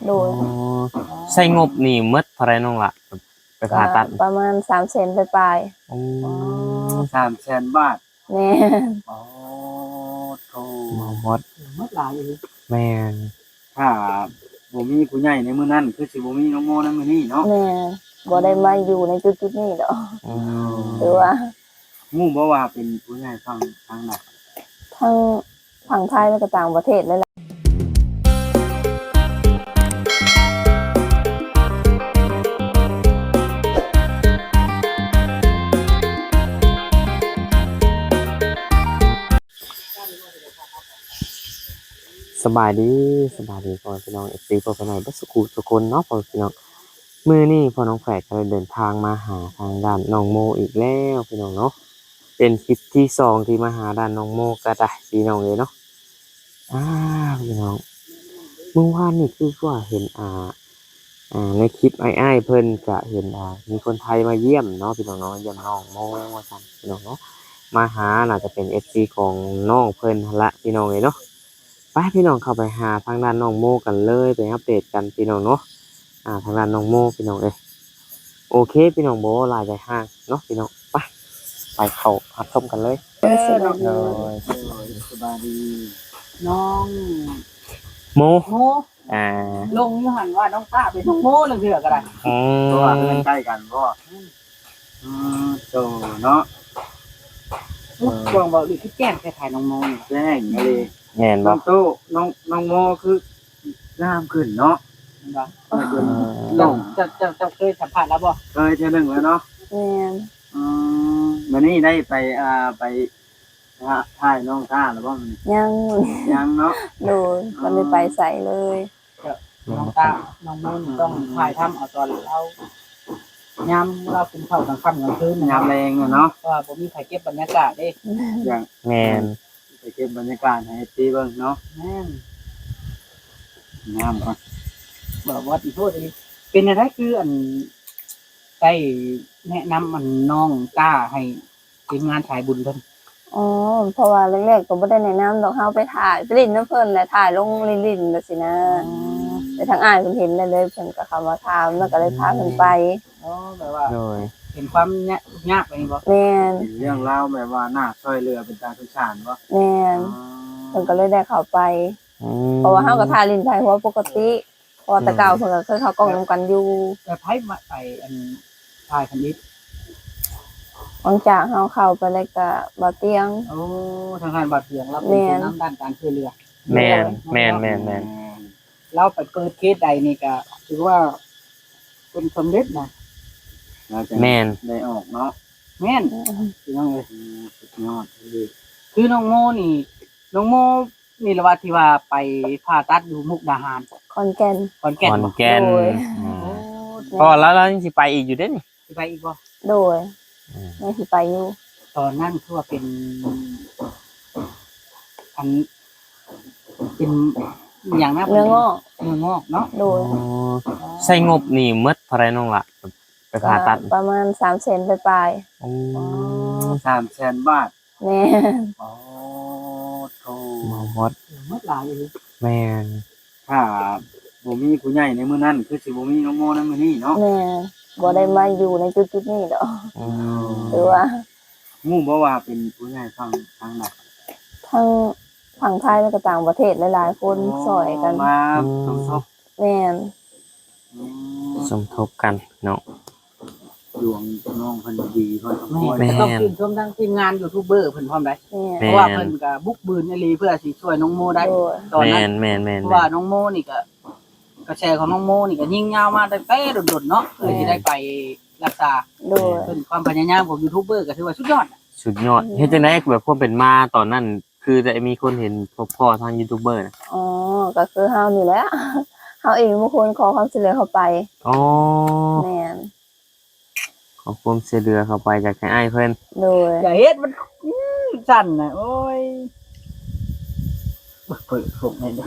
โดยใช้งบนี่หมดเท่าไรน้องล่ะไปผ่าตัดประมาณ300,000ปลายอ๋อ 300,000 บาทแม่อ๋อโธ่หมดหลายอยู่แม่นถ้าบ่มีผู้ใหญ่ในมื้อนั้นคือสิบ่มีน้องโมในมื้อนี้เนาะแม่บ่ได้มาอยู่ในจุดๆนี้ดอกหรือว่าฮู้บ่ว่าเป็นผู้ใหญ่ฝั่งทางไหนทั้งฝั่งไทยและก็ต่างประเทศเลยล่ะสบายดีพ่อพี่น้อง FC พ่อพี่น้องทุกสุขทุกคนเนาะพ่อพี่น้องมื้อนี้พ่อน้องแฝดก็เลยเดินทางมาหาทางด้านน้องโมอีกแล้วพี่น้องเนาะเป็นคลิปที่2ที่มาหาด้านน้องโมก็ได้พี่น้องเลยเนาะพี่น้องเมื่อวานนี่คือว่าเห็นในคลิปอ้ายเพิ่นก็เห็นมีคนไทยมาเยี่ยมเนาะพี่น้องเนาะเยี่ยมน้องโมว่าซั่นพี่น้องเนาะมาหาน่าจะเป็น FC ของน้องเพิ่นหั่นละพี่น้องเลยเนาะไปพี่น้องเข้าไปหาทางด้านน้องโมกันเลยไปอัปเดตกันพี่น้องเนาะทางด้านน้องโมพี่น้องโอเคพี่น้องโบลายใจห้างเนาะพี่น้องไปเข้ารับชมกันเลยสบายดีน้องโมโมลงอยู่หันว่าน้องตาเป็นน้องโมนึงเถื่อก็ได้เพราะว่าเพิ่นใกล้กันบ่โตเนาะกวางบอกดิคือแก้มคล้ายๆน้องโมนี่แจ้งอะไรแม่นบ่น้องโตน้องโมคืองามขึ้นเนาะลงจะเคยสัมผัสแล้วบ่เคยเทื่อนึงแล้วเนาะแม่นวันนี้ได้ไปถ่ายน้องตาหรือบ่ยังเนาะโดยมันได้ไปใส่เลยน้องตาน้องโมต้องถ่ายทำเอาตอนเรายามเราเป็นเข้ากลางค่ำกลางคืนยามแรงเนาะว่าบ่มีใครเก็บบรรยากาศเด้อย่างแม่นไปเก็บบรรยากาศให้ตีเบิ่งเนาะแม่นงามก่อนบอกว่าอีโทษเป็นอะไรคืออันได้แนะนำมันน้องตาให้ทีมงานถ่ายบุญเพิ่นเพราะว่าแรกๆก็บ่ได้แนะนำดอกเฮาไปถ่ายไปลิ้นน้ำเพิ่นแหละถ่ายลงลิ้นๆจังซี่นะแต่ทางอ้ายเพิ่นเห็นได้เลยเพิ่นก็เข้ามาถามแล้วก็เลยพาเพิ่นไปแบบว่าเห็นความยากไปบ่แม่นเรื่องราวแบบว่าน่าช่วยเหลือเป็นตาสงสารบ่แม่นเพิ่นก็เลยได้เข้าไปเพราะว่าเฮาก็ถ่ายลิ้นถ่ายหัวปกติพอแต่เก่าเพิ่นก็เคยเข้ากล้องนำกันอยู่แต่ไผมาไปอันถ่ายคันนี้หลังจากเฮาเข้าไปแล้วก็บ่เตียงทางการบ่เตียงเราเป็นน้ำด้านการช่วยเหลือแม่นเราไปเกิดเคสใดนี่ก็ถือว่าเป็นสำเร็จนะแม่นได้ออกเนาะแม่นพี่น้องเอ้ยสุดยอดคือน้องโมนี่ละว่าที่ว่าไปผ่าตัดอยู่มุกดาหารขอนแก่นก็แล้วยังสิไปอีกอยู่เด้นี่สิไปอีกบ่โดยยังสิไปอยู่ตอนนั้นคือว่าเป็นอันเป็นอย่างนั้นเนื้องอกเนาะโดยใช้งบนี่หมดเท่าไรน้องล่ะไปผ่าตัดประมาณ300,000ปลาย 300,000 บาทแม่อ๋อโธ่หมดหลายอยู่แม่นถ้าบ่มีผู้ใหญ่ในมื้อนั้นคือสิบ่มีน้องโมในมื้อนี้เนาะแม่บ่ได้มาอยู่ในจุดๆนี้ดอกหรือว่าฮู้บ่ว่าเป็นผู้ใหญ่ฝั่งทางไหนทั้งฝั่งไทยและก็ต่างประเทศหลายๆคนช่วยกันมาสมทบแม่นสมทบกันเนาะดวงน้องเพิ่นดีเพิ่นต้องชื่นชมทั้งทีมงานยูทูบเบอร์เพิ่นพร้อมได้เพราะว่าเพิ่นก็บุกบืนอีหลีเพื่อสิช่วยน้องโมได้ตอนนั้นแม่นเพราะว่าน้องโมนี่ก็กระแสของน้องโมนี่ก็ยิ่งยาวมาตั้งแต่โดดๆเนาะเพื่อที่ได้ไปรักษาโดยเพิ่นความพยายามของยูทูบเบอร์ก็ถือว่าสุดยอดเฮ็ดจังได๋แบบพวกเป็นมาตอนนั้นคือจะมีคนเห็นพ่อทางยูทูบเบอร์นะก็คือเฮานี่แหละเฮาเองบางคนขอความช่วยเหลือเข้าไปแม่นขอความช่วยเหลือเข้าไปจากอ้ายเพิ่นโดยอย่าเฮ็ดมันสั่นน่ะโอ้ยเปิดพวกนี้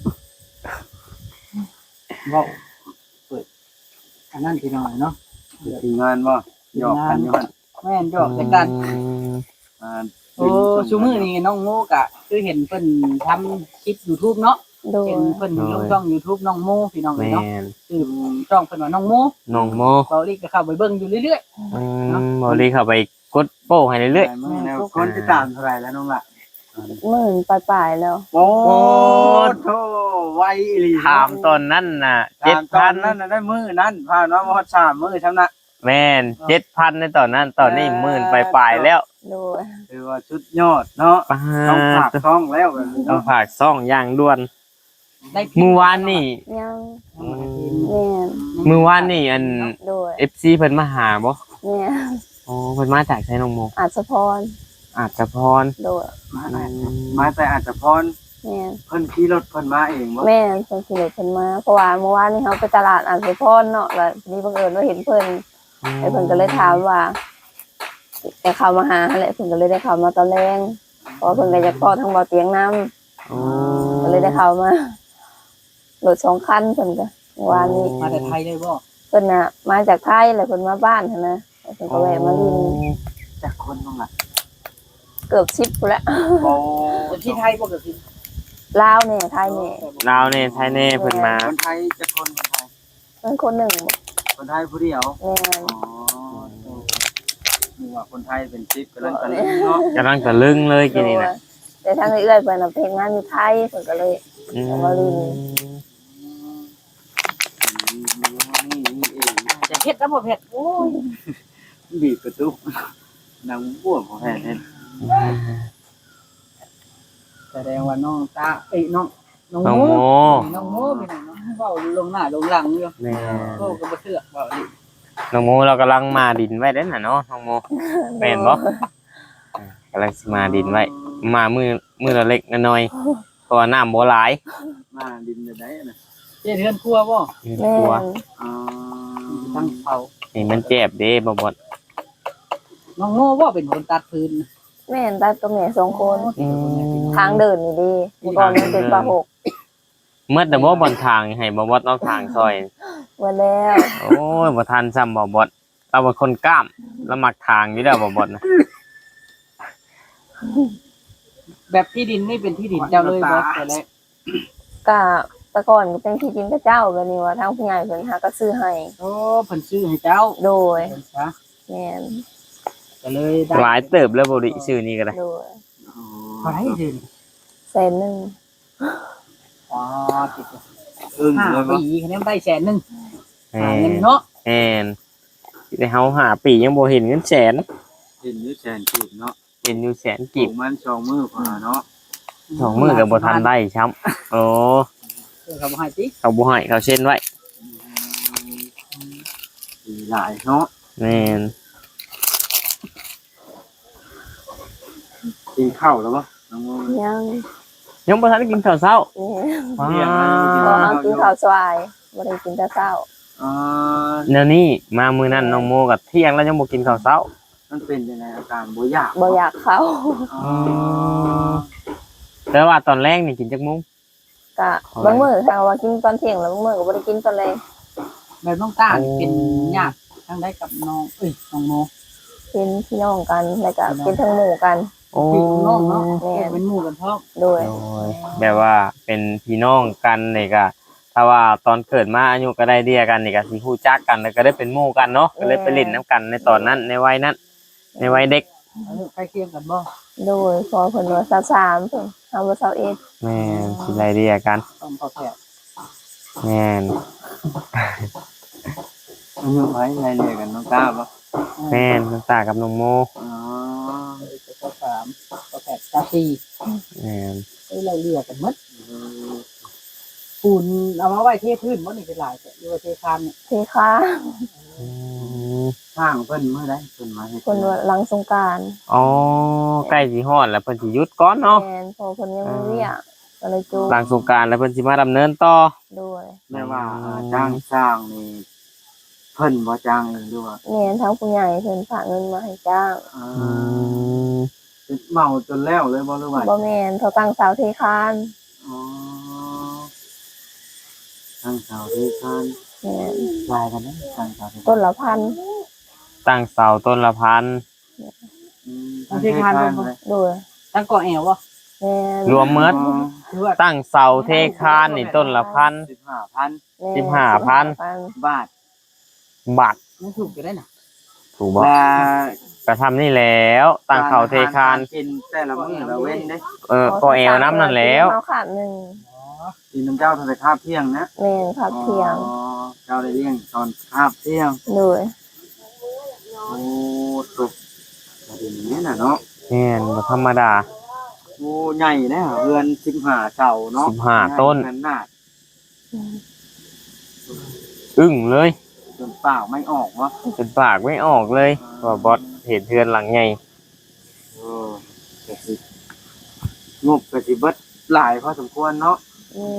ว้าวเปิดอันนั้นพี่น้อยเนาะทีมงานบ่หยอกกันอยู่หั่นแม่นหยอกกันชูมือนี่น้องโมกะคือเห็นเพิ่นทำคลิป YouTube เนาะโดยเห็นเพิ่นลงช่อง YouTube น้องโมพี่น้องแม่เนาะนชื่อช่องเพิ่นว่าน้องโมน้องโมเบาลีก็เข้าไปเบิ่งอยู่เรื่อยบ่รีเข้าไปกดโป้ให้เรื่อยมื้อแล้วคนติดตามเท่าไหร่แล้วน้องล่ะหมื่นปลายๆแล้วโอ้โธ่ไวอีหลีๆถามตอนนั้นน่ะตอนนั้น 7,000 น่ะได้มื้อนั้นผ่านมาบ่ฮอด3มื้อซำน่ะแม่น7,000ในตอนนั้นตอนนี้หมื่นปลายๆแล้วโดยถือว่าสุดยอดเนาะป้าต้องฝากช่องแล้วแบบนี้ต้องเนาะฝากซ่องอย่างด่วนๆได้มื้อวานนี่ยังอืมแม่นมื้อวานนี่อันโดย FC เพิ่นมาหาบ่แม่นอ๋อเพิ่นมาจากไสน้องโมอาจสะพรอาจจะพรโดยมาแต่อาจจะพรแม่นเพิ่นขี่รถเพิ่นมาเองบ่แม่นเพิ่นขี่รถเพิ่นมาเพราะว่าเมื่อวานนี้เฮาไปตลาดอาจสะพรเนาะแล้วทีนี้บังเอิญว่าเห็นเพิ่นไอ้เพิ่นก็เลยถามว่าจะเข้ามาหาหั่นแหละเพิ่นก็เลยได้เข้ามาตอนแรงเพราะว่าเพิ่นก็อยากพ้อทั้งเบาเตียงน้ำอ๋อก็เลยได้เข้ามารถ2คันเพิ่นก็เมื่อวานนี้มาแต่ไทยเลยบ่เพิ่นน่ะมาจากไทยแล้วเพิ่นมาบ้านหั่นนะแล้วเพิ่นก็แวะมาลินจากคนน้องล่ะเกือบ10พุ่นแล้วโอ้เป็นที่ไทยบ่ก็คือลาวแน่ไทยแน่ลาวเนี่ยไทยเนี่ยเพิ่นมาคนไทยจะคนไทยเพิ่นคนหนึ่งคนไทยผู้เดียวแม่นอ๋อนี่ว่าคนไทยเป็น10กำลังตะลึงเนาะกำลังตะลึงเลยกินนี่นะแต่ทางเอื้อยเพิ่นน่ะเพลงงานอยู่ไทยเพิ่นก็เลยอืมมาลินนี่เองจะเผ็ดแล้วบ่เผ็ดโอ้ยบีบประตูนางบ้วของแท้เห็นแสดงว่าน้องตาเอ้ยน้องน้องโมโมน้องโมพี่น้องเนาะเว้าลงหน้าลงหลังอยู่แม่โอ้ก็บ่เชื่อเว้าดิน้องโมเรากำลังมาดินไว้เด้อน่ะเนาะน้องโมแม่นบ่กำลังสิมาดินไว้มามือละเล็กน้อยๆเพราะว่าน้ำบ่หลายมาดินได้น่ะเจ๊เฮือนครัวบ่แม่กลัวนอ๋อตั้งเผานี่มันเจ็บเด้บ่บ่น้องโมบ่เป็นคนตัดพื้นแม่นตาตัวแม่2คนอืมทางเดินนี่ดีเมื่อก่อนมันเป็นปลาหกเมื่อแต่บ่บนทางให้บ่บ่เอาทางซอยหมดแล้วโอ้ยบ่ทันซ้ำบ่บ่เราเป็นคนกล้ามเรามักทางอยู่แล้วบ่บ่นะแบบที่ดินนี่เป็นที่ดินเจ้าเลยบ่แต่แรกก็แต่ก่อนก็เป็นที่ดินพระเจ้าแบบนี้ว่าทางผู้ใหญ่เพิ่นหาก็ซื้อให้โอ้เพิ่นซื้อให้เจ้าโดยเพิ่นซะแม่นก็เลยได้หลายเติบแล้วบ่ดิชื่อนี้ก็ได้โดยเท่าไหร่สิ 100,000 อ๋อติดอึ้งห้าเลยบ่ปีคะแนนได้100,000 แม่หาเงินเนาะแม่นแต่เฮาหาปียังบ่เห็นเงินแสนเห็นอยู่แสนกีบเนาะเห็นอยู่แสนกีกีบบ มัน2มื้อพอเนาะสองมือกับบ่ทันได้ช้ำโอ้เขาบ่ให้ติเขาบ่ให้เขาเช่นไว้หลายเนาะแม่นกินข้าวแล้วบ่น้องโมยังยังบ่ทันได้กินข้าวเช้าแม่นว้าบ่เอากินข้าวสวายบ่ได้กินแต่เช้าอ๋อแนวนี้มามื้อนั้นน้องโมกับเที่ยงแล้วยังบ่กินข้าวเช้ามันเป็นยังไงอาการบ่อยากบ่อยากเข้าอ๋อแต่ว่าตอนแรกนี่กินจักมุ้งก็บางมื้อถ้าว่ากินตอนเที่ยงแล้วบางมื้อก็บ่ได้กินตอนแลงแบบน้องตานี่เป็นญาติทางใดกับน้องน้องโมเป็นพี่น้องกันแล้วก็เป็นทั้งหมู่กันโอ้พี่น้องเนาะแม่นเป็นหมู่กันพร้อมโดยโอ้ยแบบว่าเป็นพี่น้องกันนี่ก็ถ้าว่าตอนเกิดมาอายุก็ได้เดียกันนี่ก็สิฮู้จักกันแล้วก็ได้เป็นหมู่กันเนาะก็เลยไปเล่นน้ำกันในตอนนั้นในวัยนั้น ในวัยเด็กใกล้เคียงกันบ่โดยพอเพิ่นว่า23เพิ่นเฮาว่า21 แม่นสิไล่เดียกันต้องพอแท้แม่นอายุไผไล่เรียกกันน้องตาบ่แม่นน้ำตากับน้องโมอ๋อก็3ก็8ก็4 แม่นเราเรียกกันหมดปูนเอามาไว้เทพื้นบ่นี่เป็นหลายแต่อยู่ว่าเทคานเนี่ยเทค้าอืมสร้างเพิ่นมื้อใดเพิ่นมาเฮ็ดเพิ่นว่าหลังสงกรานต์อ๋อใกล้สิฮอดแล้วเพิ่นสิหยุดก่อนเนาะแม่นพอเพิ่นยังมีเวียกก็เลยจูหลังสงกรานต์แล้วเพิ่นสิมาดำเนินต่อโดยแม่ว่าจ้างสร้างนี่เพิ่นบ่จ้างเองด้วยว่าแม่นทั้งผู้ใหญ่เพิ่นฝากเงินมาให้จ้างอืมเมาจนแล้วเลยบ่หรือว่าบ่แม่นเขาตั้งเสาเทคานอ๋อทางสาวที่ทานแม่นลายกันนะทางสาวที่ต้นละพันตั้งเสาต้นละพันทางที่ทานเลยโดยตั้งก่อแอวบ่แม่นรวมเมิดคือว่าตั้งเสาเทคานนี่ต้นละพัน 15,000 15,000 บาทบาทมันถูกอยู่ได้น่ะถูกบ่และกระทำนี่แล้วตั้งเสาเทคานกินแต่ละมื้อละเว้นเด้ก็แอวน้ำนั่นแล้วเอาขาดหนึ่งกินน้ำเจ้าทำแต่คาบเที่ยงนะแม่นพักเที่ยงอ๋อเจ้าได้เลี้ยงตอนคาบเที่ยงโดยโอ้ตุกประเด็นนี้น่ะเนาะแม่นบ่ธรรมดาโอ้ใหญ่นะเรือน15เสาเนาะ 15ต้นขนาดอึ้งเลยจนเปล่าไม่ออกวะจนปากไม่ออกเลยว่าบอสเห็นเทือนหลังใหญ่เออก็สิงบก็สิเบิดหลายพอสมควรเนาะแม่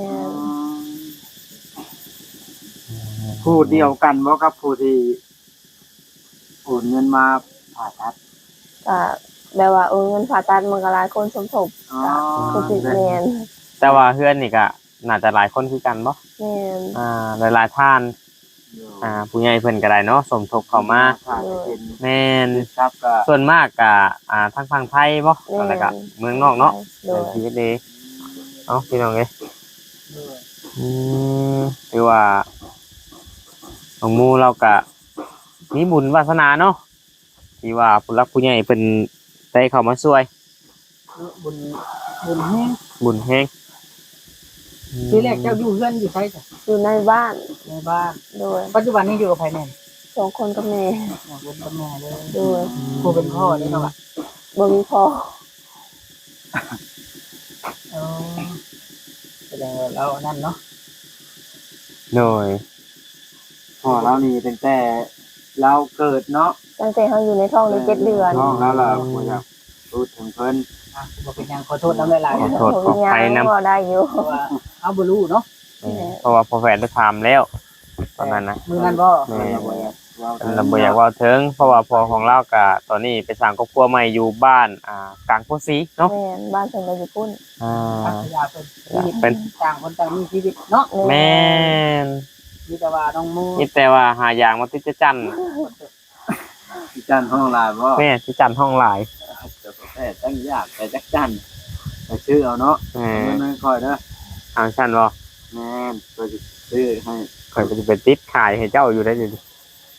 นผู้เดียวกันบ่กับผู้ที่โอนเงินมาผ่าตัดก็แบบว่าเงินผ่าตัดมันก็หลายคนสมทบอ๋อก็คือแม่นแต่ว่าเพื่อนนี่ก็น่าจะหลายคนคือกันบ่แม่นหลายๆท่านผู้ใหญ่เพิ่นก็ได้เนาะสมทบเข้ามาผ่าจะเป็นแม่นครับก็ส่วนมากก็ทางฝั่งไทยบ่อะไรก็เมืองนอกเนาะโดยชีวิตดีเอ้าพี่น้องเอ้ยคือว่าของหมู่เราก็มีบุญวาสนาเนาะที่ว่าผู้รักผู้ใหญ่เพิ่นได้เข้ามาช่วยบุญบุญแห้งบุญแฮงทีแรกเจ้าอยู่เฮือนอยู่ไสจ้ะอยู่ในบ้านในบ้านโดยปัจจุบันนี้อยู่กับไผแน่น 2 คนกับแม่อยู่กับแม่เลยโดยผู้เป็นพ่อนี่เนาะบ่มีพ่ออ๋อแสดงว่าเรานั่นเนาะโดยพ่อเรานี่ตั้งแต่เราเกิดเนาะตั้งแต่เขาอยู่ในท้องได้7 เดือนน้องแล้วล่ะบ่อยากพูดถึงเพิ่นอ่ะบ่เป็นหยังขอโทษนำหลายๆขอนะโทษขออภัยนำก็ได้อยู่เพราะว่าเอาบ่รู้เนาะเพราะว่าพอแฟนได้ถามแล้วตอนนั้นนะมื้อนั้นบ่แม่เราบ่อยากเว้าเราบ่อยากเว่าถึงเพราะว่าพอของเราก็ตอนนี้ไปสร้างครอบครัวใหม่อยู่บ้านกลางโพสีเนาะแม่นบ้านเพิ่นก็อยู่พุ่นพัทยาเป็นชีวิตเป็นต่างคนต่างมีชีวิตเนาะแม่นมีแต่ว่าน้องมูนี่แต่ว่าหาอย่างมาติดจะจันที่จันห้องลายบ่แม่ที่จันห้องหลายแต่ตั้งยากแต่จักจันแต่ชื่อเอาเนาะแม่มันค่อยเด้อทางฉันบ่แม่นก็สิชื่อให้คอยไปติดขายให้เจ้าอยู่ได้อยู่ดิ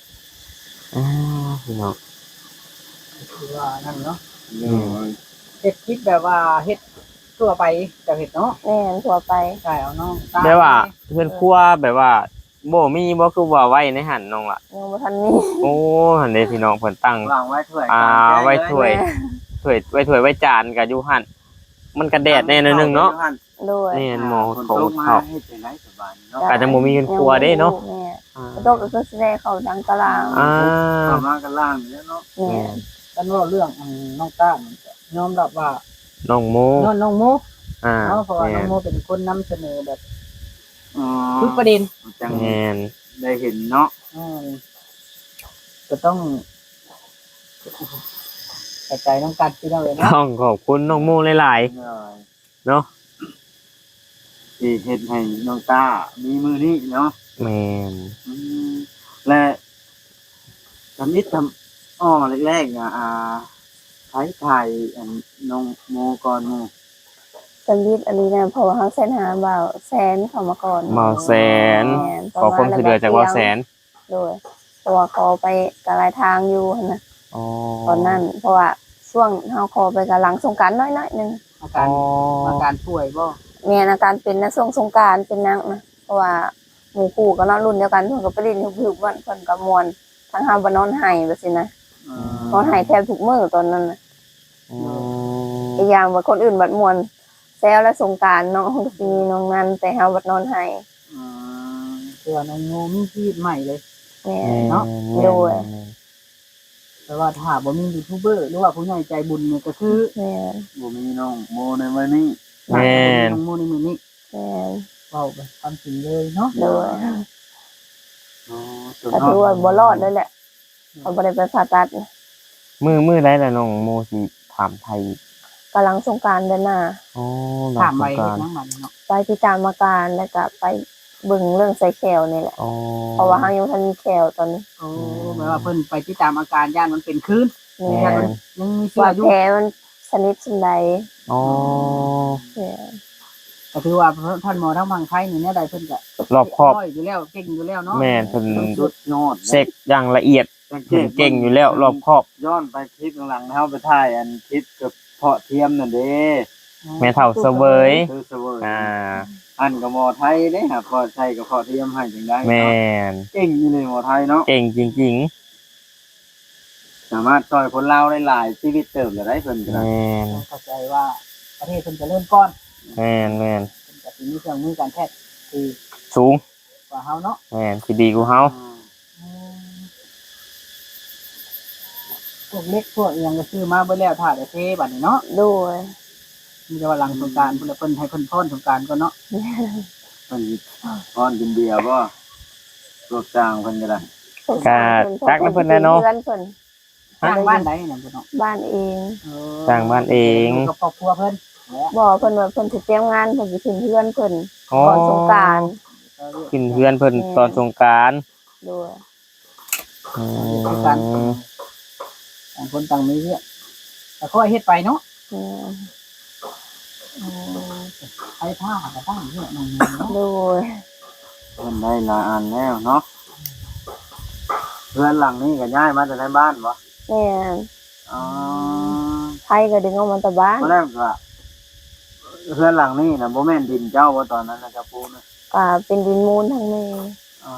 พี่น้องคือว่านั่นเนาะเรื่องเฮ็ดคลิปแบบว่าเฮ็ดทั่วไปแต่เฮ็ดเนาะแม่นทั่วไปใช่เอาน้องได้ว่าเพื่อนครัวแบบว่าบ่มีบ่คือว่าไว้ในหันน้องล่ะยังบ่ทันมีโอ้หันเด้พี่น้องเพิ่นตั้งวางไว้ถ้วยไว้ถ้วย ถ้วยไว้จานกับอยู่หั่นมันกระแดดแน่นอนนึงเนาะโดยนี่หมอคนเขาตกมาเขาให้เป็นไรสบายเนาะอาจจะบ่มีเงินครัวเด้เนาะแม่กระโดดก็คือสิได้เข้าดังตารางเข้ามากันล่างแล้วเนาะแม่กันว่าเรื่องน้องต้ามันก็ยอมรับว่าน้องโมย้อนน้องโมอ่าเนาะเพราะว่าแม่น้องโมเป็นคนนำเสนอแบบอ๋อทุกประเด็นจังแม่นได้เห็นเนาะอืมก็ต้องกระจายน้องกันพี่น้องเลยเนาะต้องขอบคุณน้องโมหลายๆเนาะที่เห็นให้น้องตามีมือนี้เนาะแม่นและทำนิดทำอ้อแรกๆถ่ายอันน้องโมก่อนโมจำยิดอันนี้นะเพราะว่าเขาเส้นหาบ่าวแสนเข้ามาก่อนเมาแสนแม่นขอความช่วยเหลือจากว่าแสนโดยเพราะว่าเขาไปกะหลายทางอยู่หั่นนะอ๋อตอนนั้น เพราะว่าช่วงเฮาขอไปกะหลังสงกรานต์น้อยๆนึงอาการอาการป่วยบ่แม่นอาการเป็นนะช่วงสงกรานต์เป็นนักนะเพราะว่าหมู่คู่ก็นอนรุ่นเดียวกันเพิ่นก็ไปเล่นฮึบๆวันเพิ่นก็ม่วนทั้งเฮาบ่นอนไห้แบบซี่นะนอนไห้แทบทุกมื้อตอนนั้นน่ะอืมอีกอย่างว่าคนอื่นบัดม่วนแซวและสงกรานต์น้องก็สิมีน้องนั้นแต่เฮาบัดนอนไห้คือว่าน้องโมมีชีวิตใหม่เลยแม่เนาะโดยแต่ว่าถ้าบ่มียูทูบเบอร์หรือว่าผู้ใหญ่ใจบุญเนี่ยก็คือแม่นบ่มีน้องโมในวันนี้แม่นน้องโมในมือนี้แม่นเว้าไปความจริงเลยเนาะโดยส่วนก็น้อถืงอว่าบ่รอดเลยแหละเขาบ่ได้ไปผ่าตัดนะมือได้แล้วน้องโมสิถามไทยอีกกำลังสงกรานต์เดือนหน้าอ๋อถามไปหลัเฮ็งดสงกรานต์นังมันเนาะไปที่ตามอาการแล้วก็ไปเบิ่งเรื่องไซแคลนี่แหละอ๋อเพราะว่าเฮายังทันมีแคลตอนนี้โอ้แปลว่าเพิ่นไปติดตามอาการย่านมันเป็นคืนแม่ย่านนมันยังมีเชื้ว่าออยู่แผลมันสนิทสนใดอ๋อเนี่ยก็ถือว่าท่านหมอทั้งบางไทยนี่เนี่ยใดเพิ่นก็รอบครอบอยู่แล้วเก่งอยู่แล้วเนาะแม่นเพิ่นสุดยอดเช็คอย่างละเอียดเพิ่นเก่งอยู่แล้วรอบครอบย้อนไปคลิปหลังๆเฮาไปถ่ายอันคลิปกับเพาะเทียมนั่นเด้แม่เฒ่าเสวยคือเสวยอ่าอันกับหมอไทยเด้ฮะเพาะไทยกับเพาะเทียมให้จังได๋แม่นเก่งอยู่ในหมอไทยเนาะเก่งจริงสามารถช่วยคนลาวได้หลายชีวิตเติมได้เพิ่นๆก็ได้แม่นเข้าใจว่าประเทศเพิ่นจะเริ่มก่อนแม่นเพิ่นก็สิมีเครื่องมือการแพทย์ที่สูงกว่าเฮาเนาะแม่นสิดีกว่าเฮาพวกเล็กพวกอิหยังก็ซื้อมาเบิดแล้วถ้าได้เทบัดนี้เนาะโดยมีแต่ว่าหลังสงกรานต์เพิ่นให้เพิ่นพ้นสงกรานต์ก่อนเนาะเพิ่นพรกินเบียร์บ่โลกจ้างเพิ่นก็ได้ก็จักนำเพิ่นแน่เนาะเพื่อนเพิ่นสร้างบ้านใดเนี่ยเพิ่นเนาะบ้านเองสร้างบ้านเองอยู่กับครอบครัวเพิ่นแหละบอกเพิ่นว่าเพิ่นสิเตรียมงานเพิ่นสิขึ้นเพื่อนเพิ่นอ๋อก่อนสงกรานต์ขึ้นเฮือนเพิ่นตอนสงกรานต์โดยอืมต่างคนต่างมีเรื่องแต่ค่อยเฮ็ดไปเนาะเนี่ยไอ้ผ้าก็ตั้งเยอะหน่อยเนาะโดยเพิ่นได้หลายอันแล้วเนาะเพื่อนหลังนี้ก็ย้ายมาจากในบ้านบ่แม่นอ๋อไผก็ดึงออกมาแต่บ้านตอนแรกก็เพื่อนหลังนี้น่ะบ่แม่นดินเจ้าบ่ตอนนั้นนะเจ้าปูนะก็เป็นดินมูลทั้งแม่อ๋อ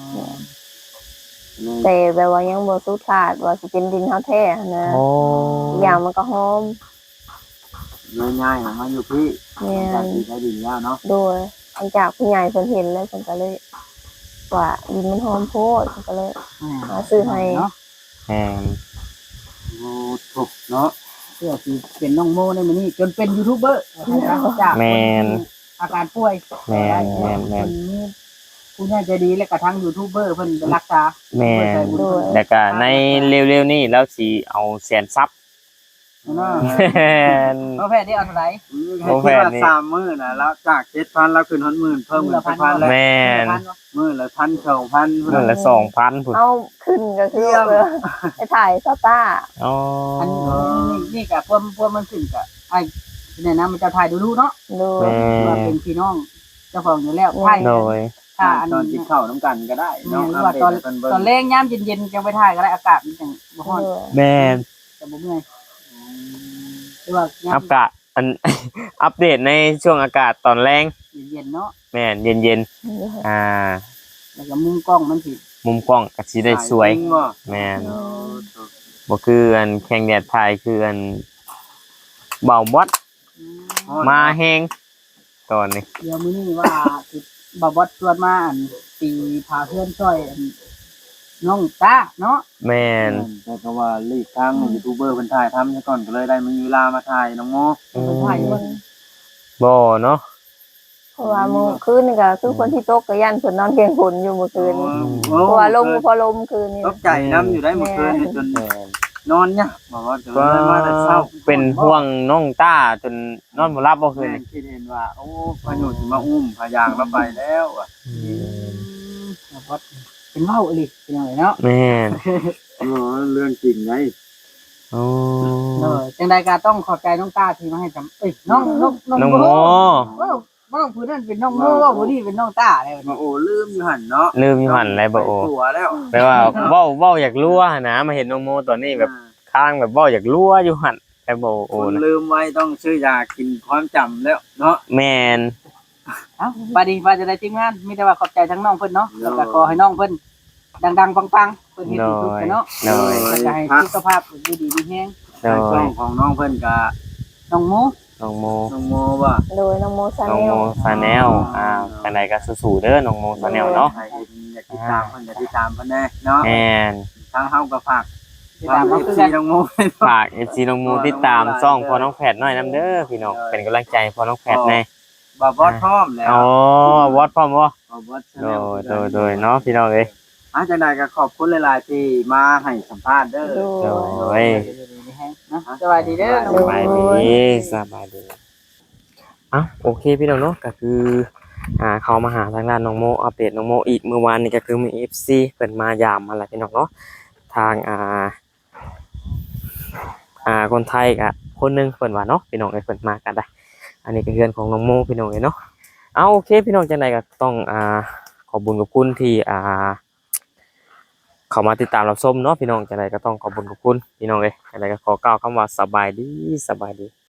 นี่แต่แบบว่ายังบ่สุดขาดว่าสิเป็นดินเฮาแท้หั้นนะโอ้อีกอย่างมันก็หอมเลยย้ายมาอยู่พี่แม่จากนที่ได้ดินแล้วเนาะโดยหลังจากผู้ใหญ่เพิ่นเห็นแล้วเพิ่นก็เลยว่าดินมันหอมโพดเพิ่นก็เลย มาซื้อให้เนาะแม่นโอ้ถูกเนาะเพื่อสิเป็นน้องโมในมื้อนี้จนเป็นยูทูบเบอร์จากคนที่อาการป่วยแม่นแม่นแม่นคนนี้ผู้ใหญ่ใจดีและกระทั่งยูทูบเบอร์เพิ่นไปรักษาแม่นโดยแล้วก็ในเร็วๆนี้แล้วสิเอาแสนซับเนาะแม่นเพราะแพทย์ได้เอาเท่าไหร่ให้คิดว่า3มื้อน่ะแล้วจาก 7,000แล้วขึ้น10,000เพิ่มเป็น1,000แล้วแม่นมื้อละ1,000 2,000 นั่นละ2,000พุ่นเอาขึ้นก็คือว่าไปถ่ายสตาร์อ๋ออันนี่ก็พวกมันขึ้นก็ไอ้เนี่ยนะมันจะถ่ายดูๆเนาะโดยแม่ว่าเป็นพี่น้องเจ้าของอยู่แล้วถ่ายโดยถ้าอันตอนกินข้าวน้ำกันก็ได้เนาะเนาะว่าตอนเพิ่นตเบิ่อนงแรงยามเย็นๆจังไปถ่ายก็ได้อากาศมันจังบ่ร้อนโดยแม่นจะบ่เมื่อยหรือว่ายาอัมปกะอัน อัปเดตในช่วงอากาศตอนแรงเย็นๆเนาะแม่นเย็นๆอ่าแล้วก็มุมกล้องมันสิมุมกล้องก็สิได้สวยจริงบ่แม่นบ่คืออันแข่งแดดถ่ายคืออันเบาบอดมาแฮงตอนนี้เดี๋ยวมื้อนี้ว่าสิบ่บอสชวนมาอันตีพาเพื่อนช่วยอันน้องตาเนาะแม่นแต่ก็ว่าลีกทางยูทูบเบอร์เพิ่นถ่ายทำซะก่อนก็เลยได้มีเวลามาถ่ายน้องโมไปถ่ายอยู่บนบ่เนาะเพราะว่าเมื่อคืนนี่ก็คือคนที่ตกก็ยันเพิ่นนอนเพียงฝนอยู่เมื่อคืนนี่โอ้เพราะว่าลมพอลมคืนนี่ตกใจน้ำอยู่ได้เมื่อคืนนี่จนแม่นนอนยากบอกว่าจะเลยมาแต่เช้าเป็นห่วงน้องต้าจนนอนบ่หลับบ่คืนแม่นี้คิดเห็นว่าโอ้พายุสิมาอุ้มพายางเราไปแล้วอะบอสเป็นเว้าอีหลีเป็นจังไดเนาะแม่นเรื่องจริงไงโอ้จังใดก็ต้องขอบใจน้องตาที่มาให้จำเอ้ยน้องน้องโมว่าน้องผู้นั้นเป็นน้องโมว่าผู้นี้เป็นน้องตาอะไรแบบมานี้โอ้ลืมอยู่หันเนาะลืมอยู่หั่นเลยบ่โอตัวแล้วแปลว่าเว้าอยากรั่วนะมาเห็นน้องโมตอนนี้แบบข้างแบบเว้าอยากรั่วอยู่หั่นแต่บ่โอคนนะลืมไว้ต้องซื้อยากินความจำแล้วเนาะแม่นเอ้าบาดีว่าจะได้ทีมงานมีแต่ว่าขอบใจทั้งน้องเพิ่นเนาะแล้วก็ขอให้น้องเพิ่นดังๆปังๆเพิ่นเฮ็ดโดดีสุดยเนาะโดยก็จะให้สุขภาพดีดีมีแฮงโดในช่ยองของน้องเพิ่นกะน้องโมน้องโมน้องโมว่าโดยน้องโมซาน้องเนโมลซาแนลจังไดก็สู้ๆเด้อน้องโมซาแนลเนาะใครอยากติดตามเพิ่นอยากติดตามเพิ่นแน่เนาะแม่นทางเฮาก็ฝากติดตามเอมาฟคือซีกันน้องโมฝาก FC น้องโมติดตามช่องพ่อน้องแพทย์หน่อยนํเด้อพี่น้องเป็นกำลังใจพ่อน้องแพทย์แน่บ่บอสพร้อมแล้วอ๋อวอดพร้อมบ่บ่บอสโดยเนาะพี่น้องเอ้ยจังได๋ก็ขอบคุณหลายๆที่มาให้สัมภาษณ์เด้อโดโดยยมีแฮงนะสวัสดีเด้อน้องสโมบายดีสบายดีอ่ะโอเคพี่น้องเนาะก็คือเขามาหาทางด้านน้องโมอัปเดตน้องโมอีกเมื่อวานนี้ก็คือมี FC เพิ่นมายามมาแล้วพี่น้องเนาะทางคนไทยก็คนหนึงเพิ่นว่าเนาะพี่น้องเอ้ยเพิ่นมากันได้อันนี้ก็เฮือนของน้องโมพี่น้องเอ้ยเนาะเอาโอเคพี่น้องจังไดก็ต้องขอบคุญขอบคุณที่เข้ามาติดตามรับชมเนาะพี่น้องจังไดก็ต้องขอบคุญขอบคุณพี่น้องเอ้ยจังไดก็ขอกล่าวคำว่าสบายดี